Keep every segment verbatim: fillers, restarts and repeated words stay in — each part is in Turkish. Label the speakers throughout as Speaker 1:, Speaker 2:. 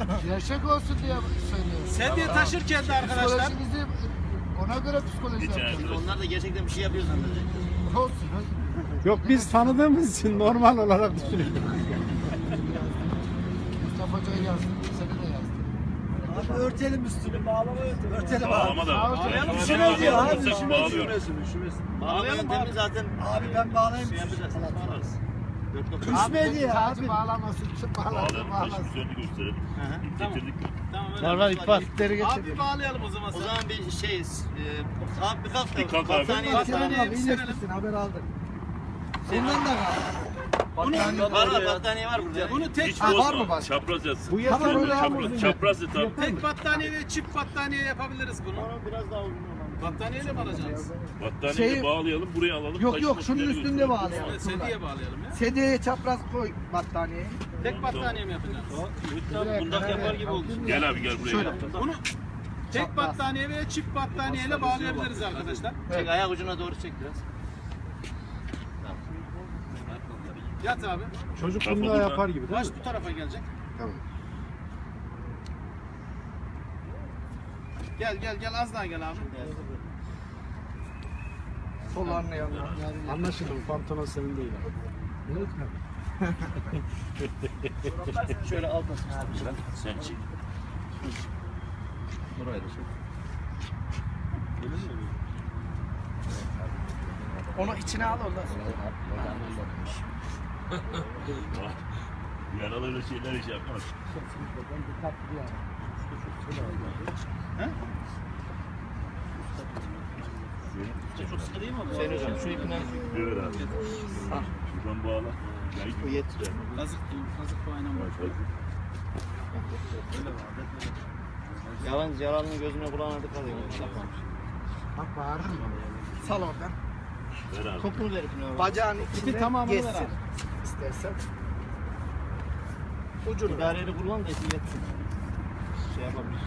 Speaker 1: Gerçek olsun diye söylüyorum.
Speaker 2: Sedye taşırken de arkadaşlar.
Speaker 1: Psikolojinizi ona göre psikoloji yapacağız.
Speaker 3: Onlar da gerçekten bir şey yapıyor zannedecek.
Speaker 1: Olsun.
Speaker 4: Yok biz tanıdığımız için normal olarak düşünüyoruz.
Speaker 1: Mustafa Hoca'yı yazdım. Seni de yazdım.
Speaker 5: Abi örtelim üstünü, bağlama örtelim. Örtelim abi.
Speaker 6: Bağlama da.
Speaker 2: Bağlayalım.
Speaker 6: Yani
Speaker 5: Üşümez ya abi,
Speaker 6: bağlamasak
Speaker 5: üşümez.
Speaker 6: bağlıyoruz.
Speaker 3: Bağlayalım abi zaten.
Speaker 5: Abi ben bağlayayım.
Speaker 3: Şey yapacağız. Bağlarız.
Speaker 5: Üşümedi ya
Speaker 1: Sadece
Speaker 5: abi.
Speaker 1: bağlamasın. Kim bağlasın
Speaker 6: Bağlayalım.
Speaker 1: bağlasın.
Speaker 6: Taşın üzerine gösterelim. İp getirdik mi?
Speaker 2: Tamam öyle.
Speaker 4: Var var ip var.
Speaker 2: Abi bağlayalım o zaman.
Speaker 3: O zaman bir şey, e, abi bir kalk da.
Speaker 6: Bir kalk abi.
Speaker 3: battaniye
Speaker 5: Batıran
Speaker 3: battaniye
Speaker 5: abi iyileşmişsin, haber aldık. Bundan da kaldı.
Speaker 3: var var battaniye var burada.
Speaker 2: Bunu tek
Speaker 6: Hiç
Speaker 1: var mı
Speaker 6: bozma.
Speaker 1: başka?
Speaker 6: Çapraz yatsın.
Speaker 4: Bu yatır
Speaker 1: öyle
Speaker 6: Çapraz,
Speaker 1: yalnız.
Speaker 6: çapraz yat abi.
Speaker 2: tek battaniye ve çift battaniye yapabiliriz bunu.
Speaker 3: Biraz daha uzun olan.
Speaker 2: Battaniyeyle mi alacağız?
Speaker 6: Battaniyeyi
Speaker 5: Şey-
Speaker 6: bağlayalım, buraya alalım.
Speaker 5: Yok
Speaker 6: taşın
Speaker 5: yok şunun
Speaker 6: üstüne
Speaker 5: üstünde
Speaker 6: götürelim.
Speaker 5: bağlayalım.
Speaker 2: Evet, Sedyeye bağlayalım ya.
Speaker 5: Sedyeye çapraz koy battaniyeyi.
Speaker 2: Tek battaniye mi yapacağız?
Speaker 3: Bundak yapar gibi oldu.
Speaker 6: Gel abi gel buraya.
Speaker 2: Bunu tek battaniye veya çift battaniyeyle bağlayabiliriz arkadaşlar.
Speaker 3: Çek ayak ucuna doğru çek biraz.
Speaker 2: Yat abi.
Speaker 4: Çocuk
Speaker 6: Bak
Speaker 4: bunu da
Speaker 6: burada.
Speaker 4: yapar gibi değil
Speaker 2: Baş
Speaker 4: mi?
Speaker 2: bu tarafa gelecek.
Speaker 1: Tamam.
Speaker 2: Gel gel gel az daha gel abi.
Speaker 5: Sollarını yanına.
Speaker 4: Anlaşıldı bu pantolon senin değil abi.
Speaker 3: Şöyle altına
Speaker 6: Sen çek.
Speaker 3: Buraya da çek.
Speaker 5: Onu içine al ondan sonra.
Speaker 6: Yaralı öyle şeyler hiç yapmaz.
Speaker 3: Çok sıkı değil mi abi? Sayın hocam şu ipinden
Speaker 6: Evet abi. Şuradan bağla. Gel
Speaker 3: bu yetiyor.
Speaker 2: Kazık kazık bu aynen var.
Speaker 3: Yalnız yaralının gözüne kulağına dikkat edin.
Speaker 1: Bak bağırdın mı?
Speaker 5: Sal oradan.
Speaker 6: Ver abi.
Speaker 3: Topunu ver ipine abi.
Speaker 5: Bacağın
Speaker 2: İpi
Speaker 5: içinde
Speaker 2: tamamını ver
Speaker 5: geçsin.
Speaker 2: abi.
Speaker 5: İstersen.
Speaker 3: Ucunu. İdareyle kullan da ipi yetsin. Şey yapabilir.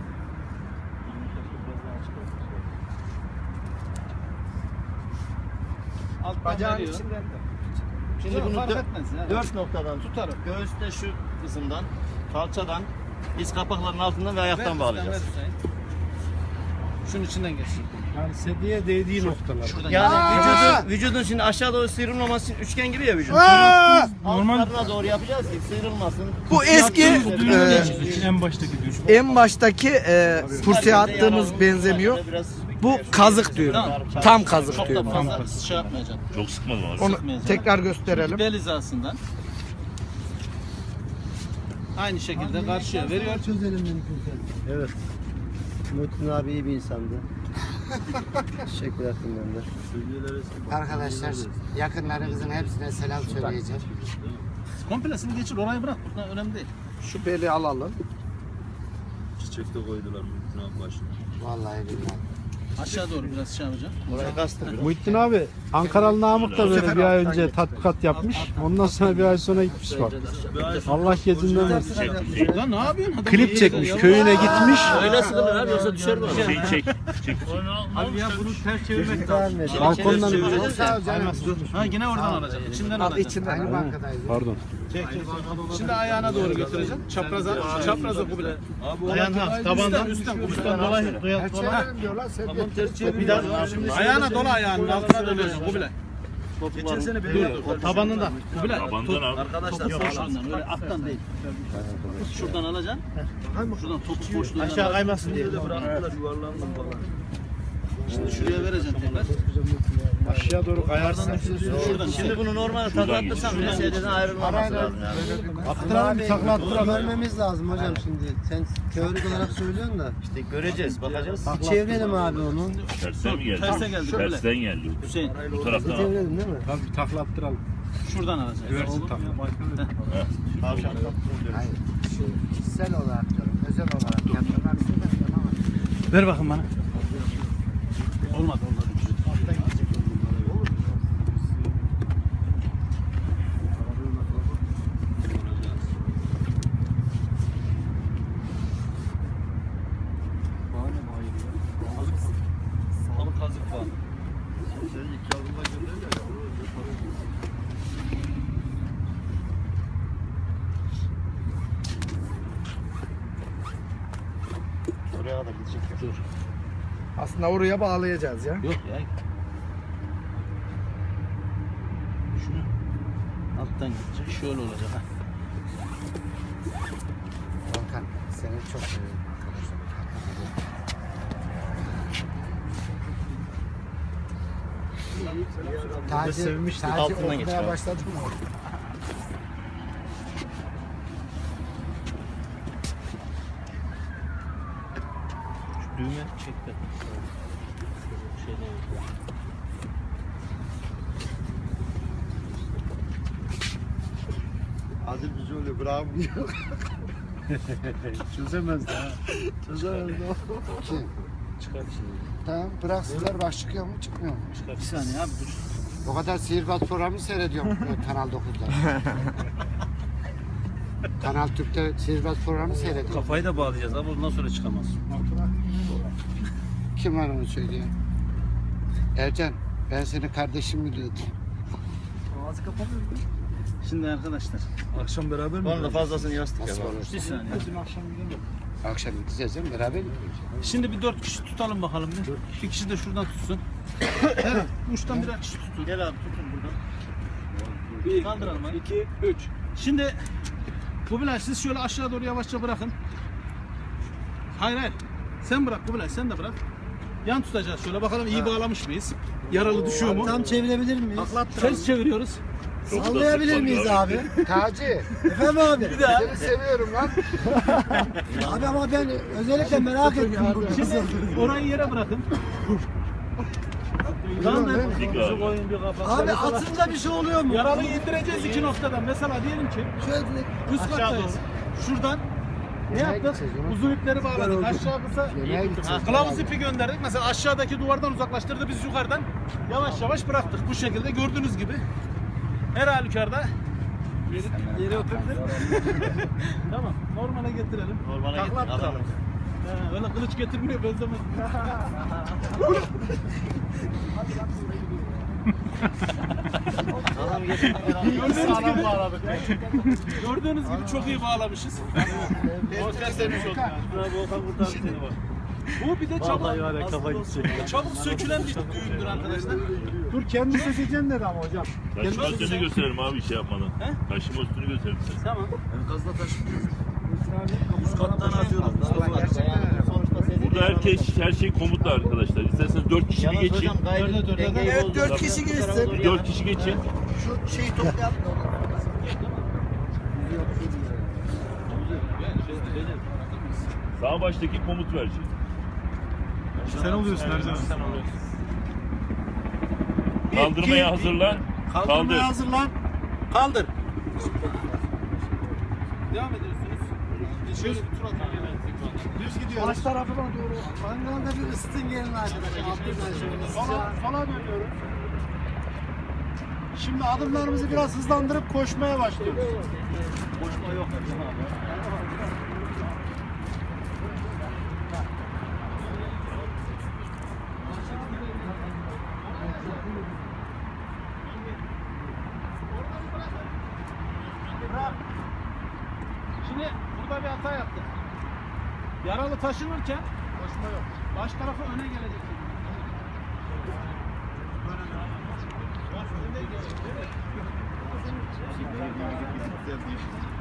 Speaker 2: Alttan
Speaker 5: Bacağın
Speaker 2: veriyor.
Speaker 5: içinden de.
Speaker 3: Şimdi
Speaker 2: Yok,
Speaker 3: bunu
Speaker 2: fark
Speaker 3: dö-
Speaker 2: etmez ya.
Speaker 3: dört noktadan tutarım. Göğüste şu kısımdan, kalçadan, diz kapaklarının altından ve ayaktan
Speaker 2: Ver,
Speaker 3: bağlayacağız.
Speaker 2: ver Hüseyin. Şunun içinden geçsin.
Speaker 4: Yani sedyeye değdiği noktalar.
Speaker 2: Şuradan
Speaker 3: Yani
Speaker 1: Aa!
Speaker 3: vücudun, vücudun şimdi aşağı doğru sıyrılmaması için üçgen gibi ya vücut.
Speaker 1: Aa!
Speaker 3: Altlarına doğru yapacağız ki sıyrılmasın.
Speaker 5: Bu eski e,
Speaker 4: En baştaki düş.
Speaker 5: en baştaki e, kursiye attığımız benzemiyor.
Speaker 3: Biraz
Speaker 5: Bu kazık diyorum. Tam kazık
Speaker 2: çok da
Speaker 5: diyorum.
Speaker 2: fazla şey yapmayacağım.
Speaker 6: Çok sıkmadım abi.
Speaker 5: Onu tekrar gösterelim.
Speaker 2: Bel hizasından. Aynı şekilde karşıya veriyor.
Speaker 7: Evet. Muhittin abi iyi bir insandı. Teşekkür ettim ben de.
Speaker 1: Arkadaşlar yakınlarınızın hepsine selam söyleyeceğim.
Speaker 2: Komplesini geçir orayı bırak. Buradan önemli değil.
Speaker 5: Şu beli alalım.
Speaker 7: Çiçek de koydular Muhittin abi başına.
Speaker 1: Vallahi billahi.
Speaker 2: Aşağı doğru biraz şey yapacağım.
Speaker 3: Buraya kastım.
Speaker 4: Muhittin abi Ankaralı Namık da böyle bir ay önce tatbikat yapmış. Ondan sonra bir ay sonra gitmiş bak. Allah gecinden versin.
Speaker 2: Lan ne yapıyorsun? Adam
Speaker 4: Klip çekmiş, köyüne gitmiş.
Speaker 3: Öyle sıkılır abi yoksa düşer bu.
Speaker 6: Şey çek. Çek.
Speaker 2: Abi ya bunu ters çevirmek lazım.
Speaker 4: Balkondan
Speaker 3: Çevireceğiz
Speaker 1: Sağ
Speaker 3: ya.
Speaker 1: ol canım.
Speaker 2: Ha yine oradan alacağım. İçinden
Speaker 5: Al
Speaker 2: alacağım.
Speaker 5: içinden.
Speaker 1: Aynı
Speaker 5: al.
Speaker 1: bankadayız.
Speaker 4: Pardon.
Speaker 2: Şimdi ayağına doğru götüreceğim. Çapraza, çapraza kubile.
Speaker 3: Ayağın ha
Speaker 2: Tabandan üstten kubisten dolayı.
Speaker 1: Her çevirelim diyorlar. Sen de
Speaker 2: Bir daha ayağına dola ayağının altına dönüyorsun kubile. Dur tabanından. Kubile.
Speaker 6: Tabandan al.
Speaker 2: Arkadaşlar yok şuradan öyle alttan değil. Şuradan alacaksın. Şuradan topuk boşluğundan.
Speaker 3: Aşağı kaymasın diye.
Speaker 2: Şimdi şuraya vereceksin tekrar.
Speaker 4: Aşağı doğru kayarsın.
Speaker 2: Şuradan.
Speaker 3: Şimdi bunu normal taklattırsam bile sedyeden ayrılmaması lazım yani.
Speaker 4: Attıralım bir takla attıralım.
Speaker 7: Görmemiz lazım hocam şimdi. Sen teorik olarak söylüyorsun da.
Speaker 3: İşte göreceğiz, bakacağız.
Speaker 7: Bir çevirelim abi onu.
Speaker 6: Tersten mi geldi?
Speaker 2: Terse geldi, şöyle.
Speaker 6: Tersten geldi.
Speaker 2: Hüseyin
Speaker 6: Bu taraftan al.
Speaker 7: Çevirelim değil mi?
Speaker 4: Tabii bir takla attıralım.
Speaker 2: şuradan alacaksın.
Speaker 4: Güvercin takla.
Speaker 3: Tavşan.
Speaker 1: Hayır. Şu kişisel olarak diyorum. Özel olarak yapmak istedim ama.
Speaker 2: Ver bakın bana. Olmadı olmadı.
Speaker 3: Buraya kadar gidecek yok.
Speaker 2: Dur.
Speaker 5: Aslında oraya bağlayacağız ya.
Speaker 2: Yok ya. Şunu alttan gidecek. Şöyle olacak ha.
Speaker 1: Volkan seni çok seviyorum arkadaşlar. Taci,
Speaker 3: sevmiştik,
Speaker 1: Taci
Speaker 3: altından
Speaker 1: okumaya
Speaker 3: geçiyor.
Speaker 1: başladı mı?
Speaker 2: Şu düğme çek de. Şey değil.
Speaker 7: Adil bizi öyle bravo diyor.
Speaker 4: Çözemez daha.
Speaker 7: Çözemez o.
Speaker 1: Kim?
Speaker 2: Çıkar şimdi.
Speaker 1: Tamam bıraksınlar bak çıkıyor mu çıkmıyor mu?
Speaker 2: Çıkar. Bir saniye abi dur.
Speaker 1: O kadar sihirbaz programı seyrediyorum e, Kanal dokuzda. Kanal Türk'te sihirbaz programı seyrediyorum.
Speaker 2: Kafayı da bağlayacağız abi ondan sonra çıkamaz.
Speaker 1: Kim var onu söyleyen? Ercan ben senin kardeşim biliyordum.
Speaker 5: Ağzı kapamıyor mu?
Speaker 2: Şimdi arkadaşlar.
Speaker 5: Akşam beraber mi?
Speaker 3: Onun da fazlasını yastık
Speaker 1: Nasıl
Speaker 3: yapalım.
Speaker 1: olursa.
Speaker 2: Bir saniye.
Speaker 5: Dün akşam gidelim.
Speaker 1: Akşam gideceğiz değil mi? Beraber gidiyoruz.
Speaker 2: Şimdi bir dört kişi tutalım bakalım bir. Bir kişi de şuradan tutsun. Evet, uçtan birer kişi tutun.
Speaker 3: Gel abi tutun buradan.
Speaker 2: Bir,
Speaker 3: Kaldıralım hadi.
Speaker 2: iki, üç. Şimdi Kubilay siz şöyle aşağı doğru yavaşça bırakın. Hayır hayır. Sen bırak Kubilay sen de bırak. Yan tutacağız şöyle bakalım iyi bağlamış mıyız? Yaralı düşüyor mu?
Speaker 7: Tam çevirebilir miyiz?
Speaker 2: Ters çeviriyoruz.
Speaker 7: Sallayabilir miyiz abi?
Speaker 1: Taci
Speaker 7: Efendim abi?
Speaker 1: seni seviyorum lan.
Speaker 7: Abi ama ben özellikle merak ettim bu kızı.
Speaker 2: Şimdi orayı yere bırakın. Kaldır.
Speaker 6: Dik abi.
Speaker 7: Abi atınca bir şey oluyor mu?
Speaker 2: Yaralıyı indireceğiz iki noktadan. Mesela diyelim ki
Speaker 7: Şöyle
Speaker 2: üst kattayız. Şuradan ne yaptık?
Speaker 1: gideceğiz oğlum.
Speaker 2: Uzun ipleri bağladık. Aşağı kısa
Speaker 1: Yemeğe gideceğiz.
Speaker 2: kılavuz ipi gönderdik. Mesela aşağıdaki duvardan uzaklaştırdı. Biz yukarıdan yavaş yavaş bıraktık. Bu şekilde gördüğünüz gibi. Her halükarda yere oturdu. Tamam. Normale getirelim.
Speaker 3: Normale
Speaker 2: Takla
Speaker 3: getir,
Speaker 2: attıralım.
Speaker 3: alalım.
Speaker 2: He, öyle kılıç getirmiyor benzemez.
Speaker 3: Adam getir.
Speaker 2: Gördüğünüz gibi, gördüğünüz gibi çok iyi bağlamışız. Volkan sevmiş oldu.
Speaker 3: Volkan kurtar seni bak.
Speaker 2: Bu bir de çabuk,
Speaker 3: var ya kafa gidecek.
Speaker 2: çabuk sökülen bir düğündür arkadaşlar.
Speaker 4: Dur kendi sökeceksin dedi ama hocam.
Speaker 6: Taşıma üstünü gösterelim abi şey yapmadan.
Speaker 2: He?
Speaker 6: Taşıma üstünü gösterelim size.
Speaker 2: Tamam.
Speaker 3: Üst kattan atıyoruz.
Speaker 6: Burada herkes her şey komutlu arkadaşlar. İsterseniz dört kişi bir
Speaker 3: Yalnız
Speaker 6: geçin.
Speaker 3: hocam gayret dengeyi
Speaker 7: Evet,
Speaker 3: bozdu.
Speaker 7: dört kişi geçsin.
Speaker 6: Dört kişi geçin.
Speaker 7: Şu şeyi toplayalım.
Speaker 6: Sağ baştaki komut verecek.
Speaker 2: Sen oluyorsun her zaman.
Speaker 6: Kaldırmaya hazırlan. Kaldır.
Speaker 2: Kaldırmaya hazırlan. Kaldır. Devam ediyorsunuz. Şöyle bir tur atalım. Düz gidiyoruz.
Speaker 7: Baş tarafına doğru. Mangalda bir ısıtın gelin arkadaşlar. Altından şöyle.
Speaker 4: Sola, sola dönüyoruz. Şimdi adımlarımızı biraz hızlandırıp koşmaya başlıyoruz.
Speaker 3: Boşma yok.
Speaker 2: Şimdi burada bir hata yaptık. Yaralı taşınırken koşma yok. Baş tarafı öne gelecek. Öne gelecek.